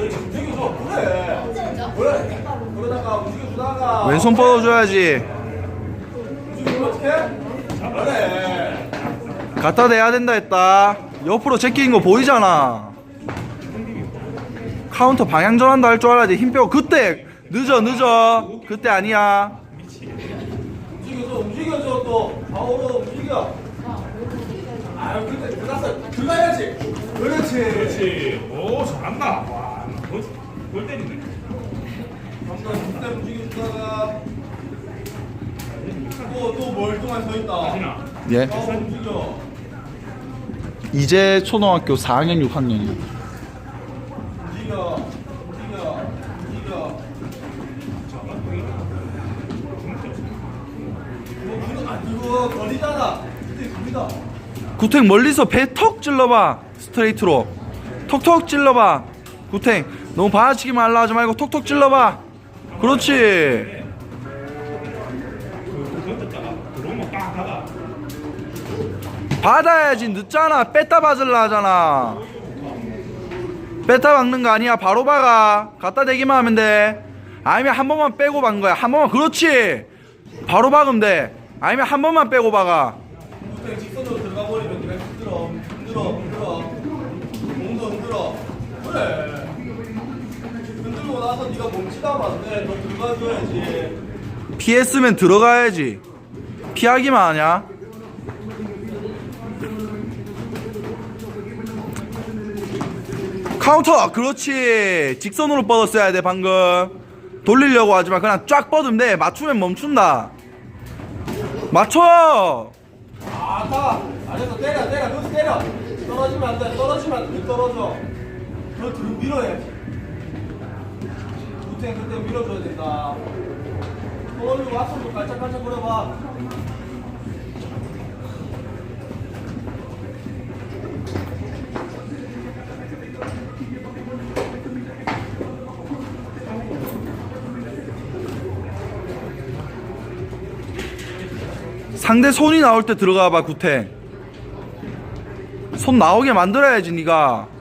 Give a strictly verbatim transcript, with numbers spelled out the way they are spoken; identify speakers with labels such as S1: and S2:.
S1: 그렇지. 움직여줘. 그래. 그래. 그러다가 움직여주다가.
S2: 왼손 뻗어줘야지.
S1: 움직여주면 어떡해? 그래.
S2: 갖다 대야 된다 했다. 옆으로 제끼는 거 보이잖아. 카운터 방향 전환도 할 줄 알아야지. 힘 빼고. 그때 늦어 늦어. 그때 아니야.
S1: 움직여줘. 움직여줘. 또 좌우로 움직여. 아유 근데 들어가서 들어가야지. 그렇지.
S3: 그렇지. 오, 잘한다. 와, 골, 골 때리네.
S1: 한번 그때 움직여주다가 또또 멀뚱한 서 있다.
S3: 하진아.
S2: 예.
S1: 좌우 움직여.
S2: 이제 초등학교 사 학년 육 학년이야.
S1: 움직여. 움직여. 움직여. 이거 그거 안 들고 거리잖아. 그때 갑니다.
S2: 구탱 멀리서 배 턱 찔러봐. 스트레이트로 톡톡 찔러봐. 구탱 너무 받아치기만 하려 하지 말고 톡톡 찔러봐. 그렇지.
S3: 그 던졌다가 들어오면 빡 하다.
S2: 받아야지. 늦잖아. 뺐다 받으려 하잖아. 뺐다 박는 거 아니야. 바로 박아. 갖다 대기만 하면 돼. 아니면 한 번만 빼고 박는 거야. 한 번만. 그렇지. 바로 박으면 돼. 아니면 한 번만 빼고 박아.
S1: 그때 직선으로 들어가 버리면 네가 흔들어. 흔들어. 흔들어. 몸도 흔들어. 그래. 흔들고 나서 네가 멈추다면 안 돼. 너 들어가줘야지.
S2: 피했으면 들어가야지. 피하기만 하냐? 카운터. 그렇지. 직선으로 뻗었어야 돼. 방금 돌리려고 하지만 그냥 쫙 뻗으면 돼. 맞추면 멈춘다. 맞춰.
S1: 아까 안에서 때려 때려 여기서 때려. 떨어지면 안 돼. 떨어지면 안 돼. 떨어져. 너 뒤로 밀어야지. 구탱 그때 밀어줘야 된다. 떠올리고 앞으로 깔짝깔짝 거려봐.
S2: 상대 손이 나올 때 들어가 봐. 구탱 손 나오게 만들어야지. 네가